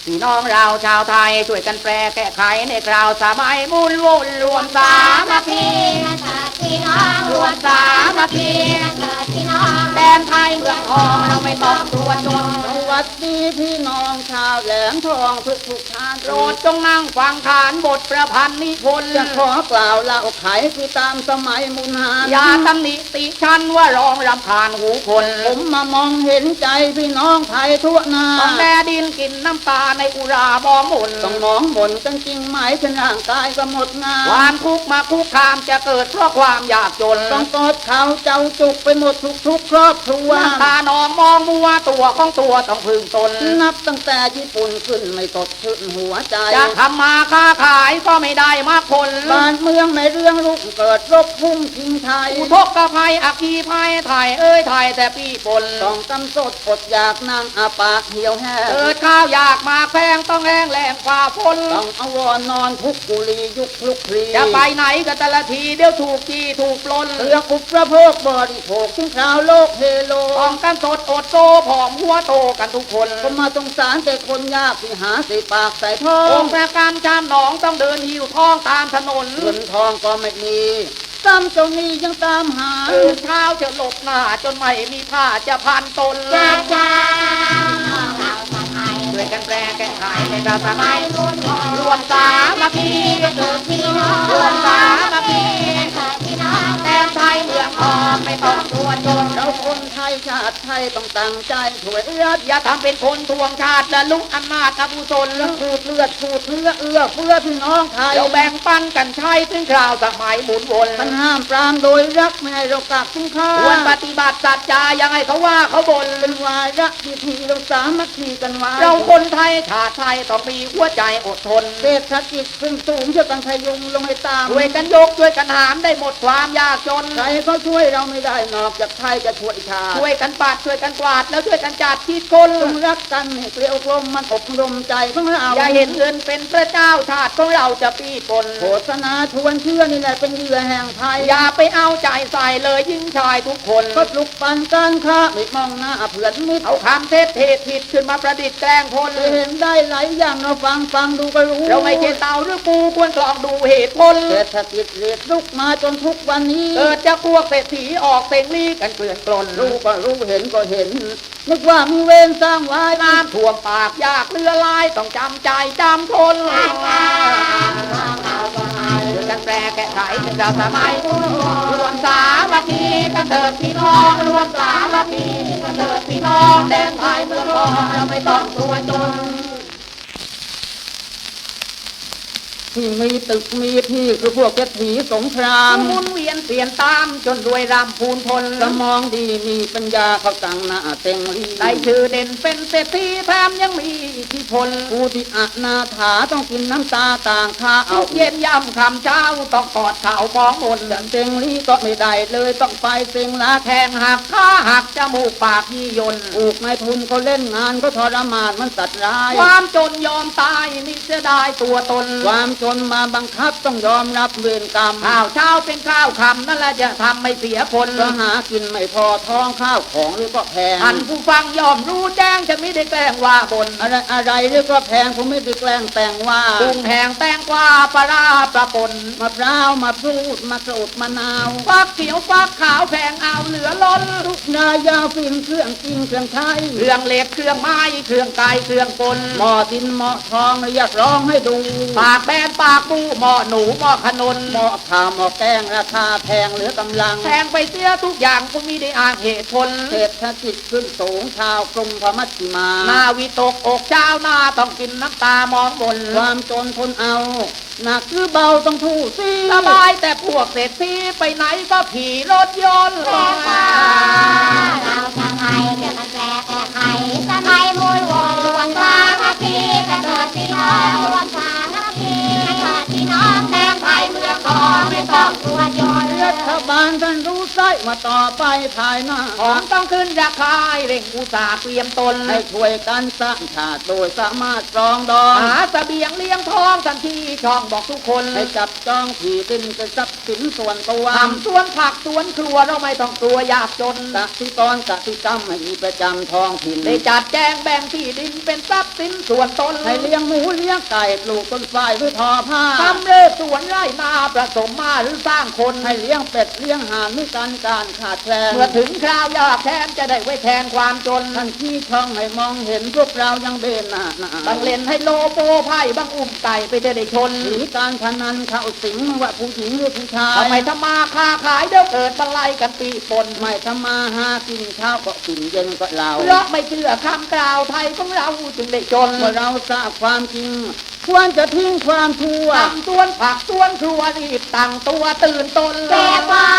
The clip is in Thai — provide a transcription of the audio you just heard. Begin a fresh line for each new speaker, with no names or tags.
พี่น้องเราชาวไทยช่วยกันแปลแก้ไขในคราวสมัยมุ่นวุ่นรวมสามัคคี
พี่น้อง
รวมสามัคคี
พี่น้อง
แดนไทยเมืองทองเราไม่ต้องกลัวจน
สวัสดีพี่น้องชาวแหลมทองทุกท่าน
โปรดจงนั่งฟังขานบทประพันธ์นิพนธ์
จะขอกล่าวเล่าไขคือตามสมัยมุนหาน
อย่าตำหนิติชันว่าร้องรำคาญหูคน
ผมมามองเห็นใจพี่น้องไทยทั่วหน้า
ต้องแดดินกินน้ำตาในอุราบองหมุน
ต้องมองบ่นกันจริงไหมฉันร่างกายก็หมดงาน
ความทุกข์มาคุกคามจะเกิดเพราะความยากจน
ต้องกอดเขาเจ้าจุกไปหมดทุกครอบครัว
น้ำตานองมองมัวตัวของตัวต้องพึงตน
นับตั้งแต่ญี่ปุ่นขึ้นไม่สดชื่นหัวใจ
จะทำมาค้าขายก็ไม่ได้มากผล
บ้านเมืองในเรื่องลุกเกิดรบพุ่งทิ้งไทย
อุทกภัยอัคคีภัยไทยไทยแต่ปีปน
ต้องกำสดอดอยากนางอาปาเหี่ยวแห้ง
เกิดข้าวอยากมาแพงต้องแห้งแหลงฝ่าฝน
ต้องอวรนอนทุกกุลียุคลุกคลี
จะไปไหนก็แต่ละทีเดี๋ยวถูกจี้ถูกปล้น
เรื่องอุปโภคบริโภคทิ้งคราวโลกเฮโล
ต้องกันสดอดโซผอมหัวโตกันทุกคน
ก็มาสงสารแต่คนยากที่หาสิปากใส่ท้อง
องค์ประการชามหนองต้องเดินหิวท้องตามถนน
เงินทองก็ไม่มีซ้ำเจ้านี้ยังตามหา
เช้าจะหลบหน้าจนไม่มีผ้าจะพันตน
จ้า
ด้วยกันแปลแก้ไขในราสมัยรวมสามัคคี
พี่น้อง
รวมสามัคคี
พี่น้อง
แต่ไทยเมืองทองไม่ต้องกลัวจน
เราคนไทยชาติไทยต้องตั้งใจช่วย
อย่าทำเป็นคนทวงชาติและลุกอำนาจอกุศล
ขูดเลือดขูดเนื้อเอื้อเฟื้อพี่น้องไทย
เราแบ่งปันกันใช้ถึงคราวสมัยหมุนวน
มันห้ามปรามโดยรักไม่ให้เรากักทิ้งข้า
ควรปฏิบัติสัจจายังไงเขาว่าเขาบ่น
เป็นวาระพิธีเราสามัคคีกันไว้
เราคนไทยชาติไทยต้องมีหัวใจอดทน
เศรษฐกิจขึ้นสูงช่วยกันพยุงลงให้ตาม
ช่วยกันยกช่วยกันหามได้หมดความยากจน
ใครก็ช่วยเราไม่ได้นอกจากไทยจะช่วยชาติ
ช่วยกันปัดช่วยกันกวาดแล้วช่วยกันจัดที่คน
ต้องรักกันให้เกลียวกลมมันอบรมใจของเรา
อย่าเห็นเงินเป็นพระเจ้าชาติของเราจะปีปน
โฆษณาชวนเชื่อนี่แหละเป็นเหยื่อแห่งภัย
อย่าไปเอาใจใส่เลยยิ่งชายทุกคน
ก็ปลุกปั่นการค้าไม่มองหน้าเพื่อนมิตร
เอาคำเทศผิดขึ้นมาประดิษฐ์แกล้งคน
เห็นได้หลายอย่างเราฟังดูก็รู้
เราไม่เจตเต่าหรือปูควรกลองดูเหตุผล
เศรษฐกิจเรียดลุกมาจนทุกวันนี้
เกิดจะพวกเศรษฐีออกเต็งลีกันเกลื่อนกลน
รู้ก็รู้เห็นก็เห็นนึกว่ามีเวรสร้างไว้
น้ำท่วมปากยากเรือลายต้องจำใจจำทนด้วยกันแปลแก้ไขเป็นเราสมัยรวมสามัคคีกันเถิดพี่น้องรวมสามัคคีกันเถิดพี่น้องแดนไทยเมืองทองเราไม่ต้องกลัวจน
ที่มีตึกมีที่คือพวกเศรษฐีสงคราม
หมุนเวียนเปลี่ยนตามจนรวยรำพูนพล
สมองดีมีปัญญาเขาตั้งหน้าเต็งรี
ได้ชื่อเด่นเป็นเศรษฐีแถมยังมีอิทธิพล
ผู้ที่อนาถาต้องกินน้ำตาต่างข้าเอา
เย็นย่ำคำเช้าต้องกอดข่าวมองมน
เต็งรีก็ไม่ได้เลยต้องไปเต็งลา
แทงหักขาหักจมูกปากยี่ยน
ถูกไม่ทุนเขาเล่นงานก็ทรมานมันสัตว์ร้าย
ความจนยอมตายนี่จะได้ตัวตน
ความจนมาบังคับต้องยอมรับเวรกรรม
ข้าวเช้าเป็นข้าวคำนั่นแหละจะทำไม่เสียผล
ก็หากินไม่พอท้องข้าวของหรือก็แพง
ท่านผู้ฟังยอมรู้แจ้งจะไม่ได้แกล้งว่าบน
อะไรหรือก็แพงผมไม่ได้แกล้งแต่งว่า
กุ้งแห้งแตงกวาปลาปลาปน
มะพร้าวมาพูดมะกรูดมะนาว
ฟักเขียวฟักขาวแพงเอาเหลือล้น
ทุกนายาฟินเครื่องกินเครื่องใช้
เครื่องเหล็กเครื่องไม้เครื่องไก่เครื่องกล
หม้อดินหม้อทองเรียกร้องให้ดู
ปากแบนปากปูหม้อหนูหม้อขนน
หม้อข้าวหม้อแกงราคาแพงเหลือกำลัง
แพงไปเสียทุกอย่างก็มีได้อ้างเหตุผล
เศรษฐกิจขึ้นสูงชาวกรุงพมัชชิมา
นาวิตกอกเจ้าหน้าต้องกินน้ำตามองบน
ความจนทนเอาหนักหรือเบาต้องทู่ซี
สบายแต่พวกเศรษฐีไปไหนก็ขี่รถยนต์
เราทำไมเกิดมันแปลแก้ไขสมัยมูลวงรวมสามัคคีกันเถิดพี่น้องรวมสามัคคีกันเถิดพี่น้องแดนไทยเมืองทองไม่ต้องกลัวจน
รัฐบาลท่านรู้ไส้มาต่อไปภายหน้า
ของต้องขึ้นราคาให้เร่งอุตสาห์เตรียมตน
ให้ช่วยกันสร้างชาติโดยสามารถปรองดอง
หาเสบียงเลี้ยงท้องทันทีช่องบอกทุกคน
ให้จับจองที่ดินเป็นทรัพย์สินส่วนตัว
ทำสวนผักสวนครัวเราไม่ต้องกลัวยากจน
กสิกรกสิกรรมให้มีประจำท้องถิ่น
ได้จัดแจงแบ่งที่ดินเป็นทรัพย์สินส่วนตน
ให้เลี้ยงหมูเลี้ยงไก่ปลูกต้นฝ้ายหรือทอผ้า
ทำเลิศสวนไร่นาผสมมาหรือสร้างคน
ให้เลี้ยงเป็ดเลี้ยงห่านหรือการขาดแคลน
เมื่อถึงคราวยากแทนจะได้ไว้แทนความจน
ท่านที่ช่องให้มองเห็นพวกเรายังเบนหน้า
บางเล่นให้โลโปไพ่บางอุ้มไก่ไปจะได้ชน
หนีการพนันเข้าสิงไม่ว่าผู้หญิงหรือผู้ชาย
ทำไมทำมาค้าขายเดี๋ยวเกิดบันไลกันปีปน
ไม่ทำมาหากินข้าวก็กินเย็นก็เรา
เพราะไม่เชื่อคำกล่าวไทยของเราจึงได้จน
เมื่อเราทราบความจริงควรจะทิ้งความชั่ว
ทำสวนผักสวนครัวรีบตั้งตัวตื่นตน
แก้ควา